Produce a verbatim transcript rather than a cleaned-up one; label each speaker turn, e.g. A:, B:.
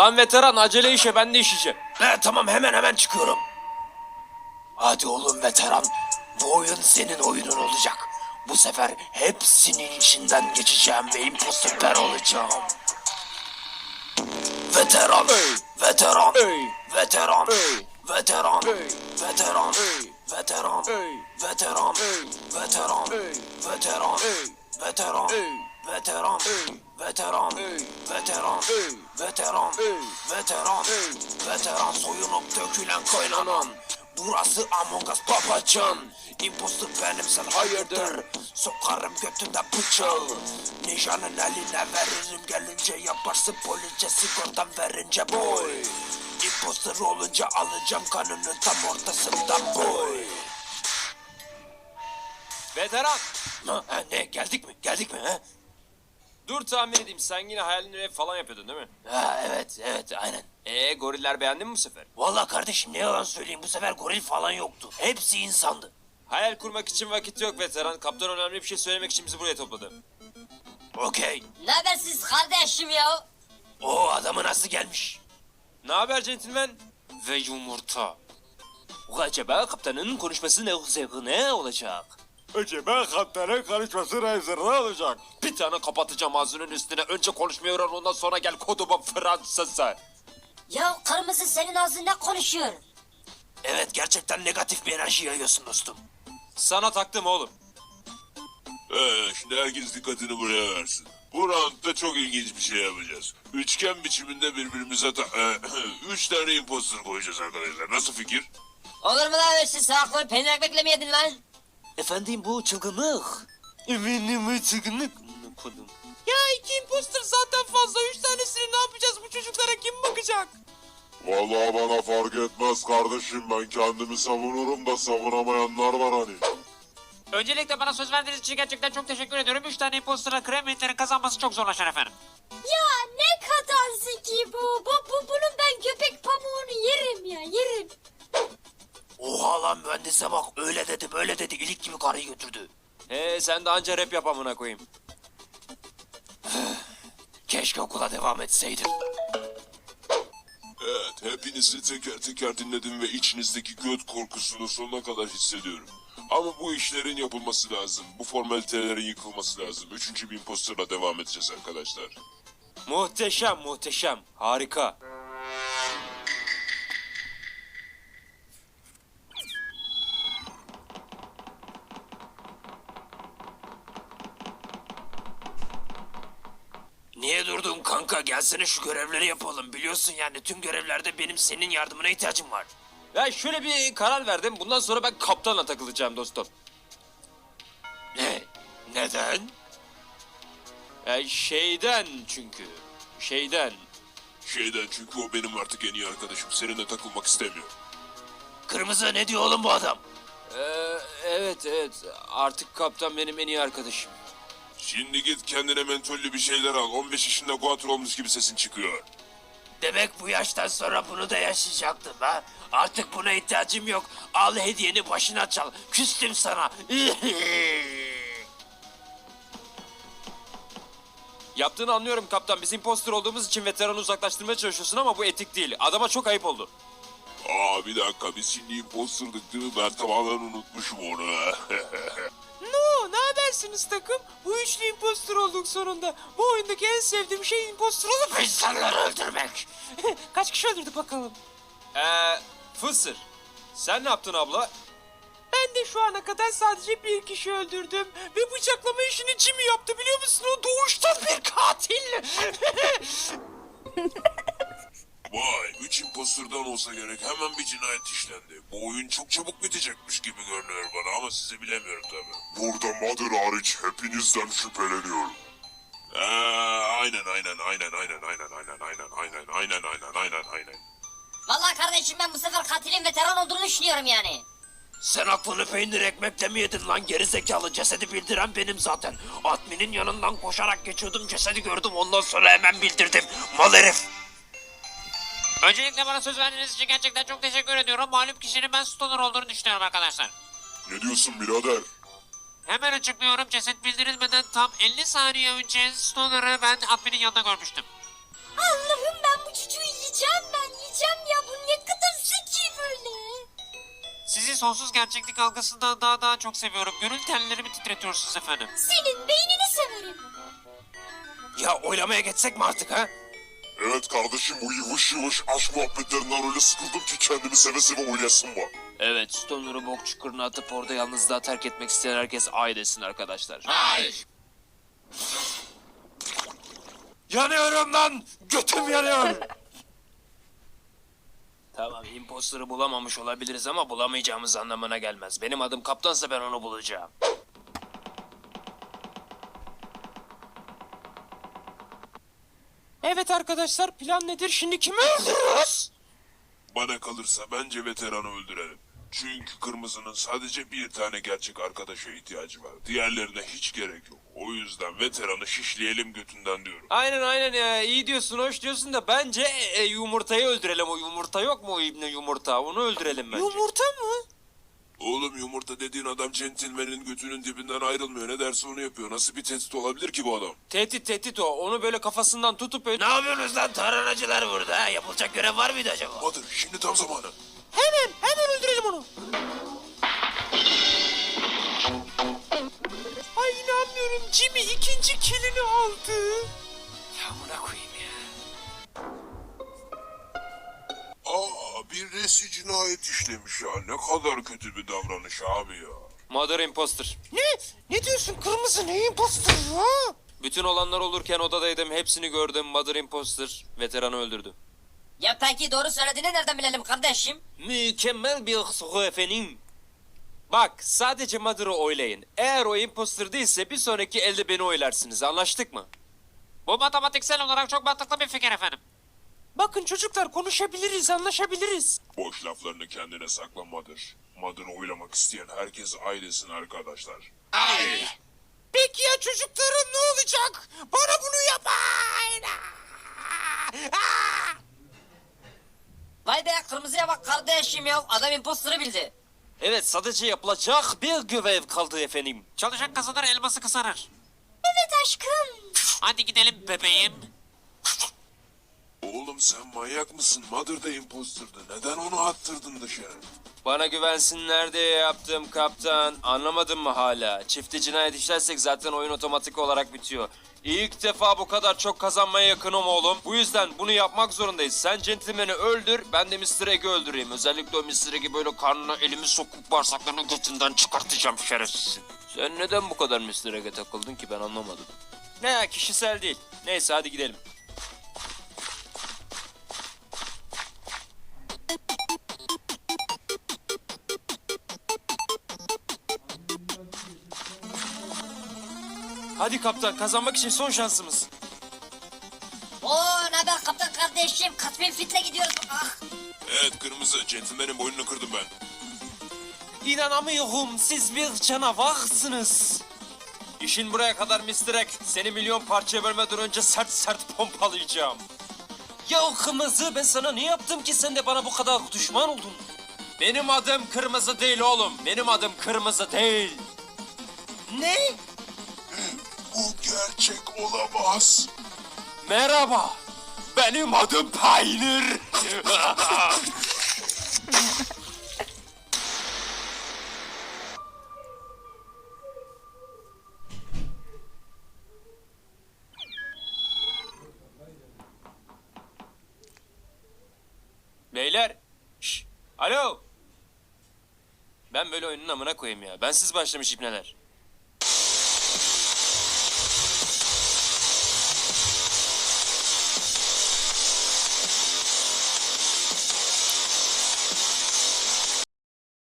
A: Lan veteran acele işe ben de işeceğim.
B: He tamam hemen hemen çıkıyorum. Hadi oğlum veteran. Bu oyun senin oyunun olacak. Bu sefer hepsinin içinden geçeceğim ve imposter ben olacağım. Veteran,
A: Hey.
B: veteran,
A: Hey.
B: veteran,
A: Hey.
B: veteran,
A: Hey.
B: veteran,
A: Hey.
B: veteran,
A: Hey.
B: veteran,
A: Hey.
B: veteran,
A: Hey.
B: veteran,
A: Hey.
B: veteran,
A: Hey.
B: veteran,
A: Hey.
B: veteran,
A: Hey.
B: veteran,
A: Hey.
B: veteran,
A: Hey.
B: veteran,
A: Hey.
B: veteran soyunup dökülen kaynanan. Burası Among Us babacan. Imposter benim sen hayırdır. Sokarım götünden bıçağı. Ninja'nın eline veririm gelince yaparsın police sigortan verince boy. Imposter olunca alacağım kanını tam ortasından boy.
A: Veteran.
B: Ha, ha, ne geldik mi geldik mi ha?
A: Dur tahmin edeyim sen yine hayalini ev falan yapıyordun değil mi?
B: Ha evet evet aynen.
A: Eee goriller beğendin mi bu sefer?
B: Vallahi kardeşim ne yalan söyleyeyim bu sefer goril falan yoktu. Hepsi insandı.
A: Hayal kurmak için vakit yok veteran. Kaptan önemli bir şey söylemek için bizi buraya topladı.
B: Okey.
C: Ne haber siz kardeşim ya?
B: O adamı nasıl gelmiş?
A: Ne haber centilmen? Ve yumurta. Acaba kaptanın konuşması ne, ne olacak? Acaba kaptanın konuşması ne olacak? Bir tane kapatacağım ağzının üstüne. Önce konuşmayı öğren ondan sonra gel koduma Fransız'a.
C: Ya kırmızı senin ağzında konuşuyor.
B: Evet gerçekten negatif bir enerji yayıyorsun dostum.
A: Sana taktım oğlum.
D: Ee, şimdi herkes dikkatini buraya versin. Bu roundda çok ilginç bir şey yapacağız. Üçgen biçiminde birbirimize ta- e, üç tane imposter koyacağız arkadaşlar. Nasıl fikir?
C: Olur mu lan siz salakları peynir ekmekle mi yedin lan?
A: Efendim bu çılgınlık. Efendim bu çılgınlık. Kodum. Ya iki imposter zaten fazla. Üç tanesini ne yapacağız? Bu çocuklara kim bakacak?
D: Vallahi bana fark etmez kardeşim. Ben kendimi savunurum da savunamayanlar var hani.
E: Öncelikle bana söz verdiğiniz için gerçekten çok teşekkür ediyorum. Üç tane imposter'a Kremlitlerin kazanması çok zorlaşır efendim.
F: Ya ne kadar zeki bu. bu, bu bunun ben köpek pamuğunu yerim ya yerim.
B: Oha lan mühendise bak öyle dedi böyle dedi ilik gibi karıyı götürdü.
A: He sen de anca rap yap amına koyayım.
B: Keşke okula devam etseydim.
D: Evet, hepinizi teker teker dinledim ve içinizdeki göt korkusunu sonuna kadar hissediyorum. Ama bu işlerin yapılması lazım. Bu formalitelerin yıkılması lazım. Üçüncü bir imposterla devam edeceğiz arkadaşlar.
A: Muhteşem muhteşem. Harika.
B: Niye durdun kanka gelsene şu görevleri yapalım. Biliyorsun yani tüm görevlerde benim senin yardımına ihtiyacım var.
A: Ya şöyle bir karar verdim. Bundan sonra ben kaptanla takılacağım dostum.
B: Ne? Neden?
A: Ya şeyden çünkü. Şeyden.
D: Şeyden çünkü o benim artık en iyi arkadaşım. Seninle takılmak istemiyor.
B: Kırmızı ne diyor oğlum bu adam?
A: Ee, evet evet. Artık kaptan benim en iyi arkadaşım.
D: Şimdi git kendine mentollü bir şeyler al. on beş yaşında guatr olmuş gibi sesin çıkıyor.
B: Demek bu yaştan sonra bunu da yaşayacaktım ha? Artık buna ihtiyacım yok. Al hediyeni başına çal. Küstüm sana.
A: Yaptığını anlıyorum kaptan. Biz imposter olduğumuz için veteranı uzaklaştırmaya çalışıyorsun ama bu etik değil. Adama çok ayıp oldu.
D: Aa bir dakika biz şimdi imposterdık değil mi? Ben tamamen unutmuşum onu.
E: No, ne habersiniz takım? Bu üçlü imposter olduk sonunda. Bu oyundaki en sevdiğim şey imposter olup
B: İnsanları öldürmek.
E: kaç kişi öldürdü bakalım.
A: Eee Fısır. Sen ne yaptın abla?
E: Ben de şu ana kadar sadece bir kişi öldürdüm. Ve bıçaklama işini Jimmy yaptı biliyor musun? O doğuştan bir katil.
D: Vay, üç imposterdan olsa gerek hemen bir cinayet işlendi. Bu oyun çok çabuk bitecekmiş gibi görünüyor bana ama sizi bilemiyorum tabii. Burada Mother hariç hepinizden şüpheleniyorum. Ee, aynen aynen aynen aynen aynen aynen aynen aynen aynen aynen aynen aynen.
C: Vallahi kardeşim ben bu sefer katilin veteran olduğunu düşünüyorum yani.
B: Sen aklını peynir ekmekle mi yedin lan gerizekalı? Cesedi bildiren benim zaten. Adminin yanından koşarak geçiyordum cesedi gördüm ondan sonra hemen bildirdim. Mal herif.
E: Öncelikle bana söz verdiğiniz için gerçekten çok teşekkür ediyorum. Malum kişinin ben stoner olduğunu düşünüyorum arkadaşlar.
D: Ne diyorsun birader?
E: Hemen açıklıyorum. Ceset bildirilmeden tam elli saniye önce stoner'ı ben adminin yanında görmüştüm.
F: Allah'ım ben bu çocuğu yiyeceğim ben yiyeceğim ya. Bu ne kadar zeki böyle.
E: Sizi sonsuz gerçeklik algısından daha daha çok seviyorum. Gönül tellerimi titretiyorsunuz efendim.
F: Senin beynini severim.
B: Ya oylamaya geçsek mi artık ha?
D: Evet kardeşim, bu yıvış yıvış aşk muhabbetlerinden öyle sıkıldım ki kendimi seve seve oynayasım var.
A: Evet, Stoner'ı bok çukuruna atıp orada yalnızlığa terk etmek isteyen herkes ay desin arkadaşlar.
B: Yanıyorum lan! Götüm yanıyor!
A: Tamam, imposter'ı bulamamış olabiliriz ama bulamayacağımız anlamına gelmez. Benim adım kaptansa ben onu bulacağım.
E: Evet arkadaşlar, plan nedir? Şimdi kimi öldürüyoruz?
D: Bana kalırsa bence veteranı öldürelim. Çünkü kırmızının sadece bir tane gerçek arkadaşa ihtiyacı var. Diğerlerine hiç gerek yok. O yüzden veteranı şişleyelim götünden diyorum.
A: Aynen aynen ya, iyi diyorsun, hoş diyorsun da bence e, yumurtayı öldürelim. O yumurta yok mu, o ibne yumurta? Onu öldürelim bence.
E: Yumurta mı?
D: Oğlum, yumurta dediğin adam centilmenin götünün dibinden ayrılmıyor. Ne derse onu yapıyor. Nasıl bir tehdit olabilir ki bu adam?
A: Tehdit tehdit o. Onu böyle kafasından tutup...
B: Ne yapıyorsunuz lan taranacılar burada ha? Yapılacak görev var mıydı acaba?
D: Badır, şimdi tam zamanı.
E: Hemen, hemen öldürelim onu. Ay inanmıyorum, Jimmy ikinci kilini aldı.
A: Ya buna koyayım ya.
D: Aa, bir resi cinayet işlemiş ya. Ne kadar kötü bir davranış abi ya.
A: Mother Imposter.
E: Ne? Ne diyorsun kırmızı, ne imposter ya?
A: Bütün olanlar olurken odadaydım. Hepsini gördüm. Mother Imposter veteranı öldürdü.
C: Ya peki doğru söylediğini nereden bilelim kardeşim?
A: Mükemmel bir soru efendim. Bak, sadece Mother'ı oylayın. Eğer o imposter değilse bir sonraki elde beni oylarsınız. Anlaştık mı?
E: Bu matematiksel olarak çok mantıklı bir fikir efendim. Bakın çocuklar, konuşabiliriz, anlaşabiliriz.
D: Boş laflarını kendine sakla Mother. Mother'ı oylamak isteyen herkes ailesin arkadaşlar.
E: Peki ya çocuklarım ne olacak? Bana bunu yapmayın. Aa!
C: Vay be kırmızıya bak kardeşim ya. Adam imposter'ı bildi.
A: Evet, sadece yapılacak bir görev kaldı efendim.
E: Çalışan kazanır, elması kısanır.
F: Evet aşkım.
E: Hadi gidelim bebeğim.
D: Oğlum, sen manyak mısın? Mother da imposterdı. Neden onu attırdın dışarı?
A: Bana güvensinler diye yaptım kaptan. Anlamadın mı hala? Çifte cinayet işlersek zaten oyun otomatik olarak bitiyor. İlk defa bu kadar çok kazanmaya yakınım oğlum. Bu yüzden bunu yapmak zorundayız. Sen centilmeni öldür, ben de mister Egg'i öldüreyim. Özellikle o mister Egg'i böyle karnına elimi sokup bağırsaklarını götünden çıkartacağım şerefsizin. Sen neden bu kadar mister Egg'e takıldın ki ben anlamadım. Ne, kişisel değil. Neyse hadi gidelim. Hadi kaptan, kazanmak için son şansımız.
C: Oo ne haber kaptan kardeşim? Kaç bin fitle gidiyoruz. Ah.
D: Evet kırmızı, centilmenin boynunu kırdım ben.
A: İnanamıyorum, siz bir canavarsınız. İşin buraya kadar mister Egg. Seni milyon parçaya bölmeden önce sert sert pompalayacağım. Ya kırmızı, ben sana ne yaptım ki sen de bana bu kadar düşman oldun? Benim adım kırmızı değil oğlum. Benim adım kırmızı değil. Ne?
D: Bu gerçek olamaz.
A: Merhaba. Benim adım Peynir. Beyler. Şş. Alo. Ben böyle oyunun amına koyayım ya. Ben siz başlamış ipneler.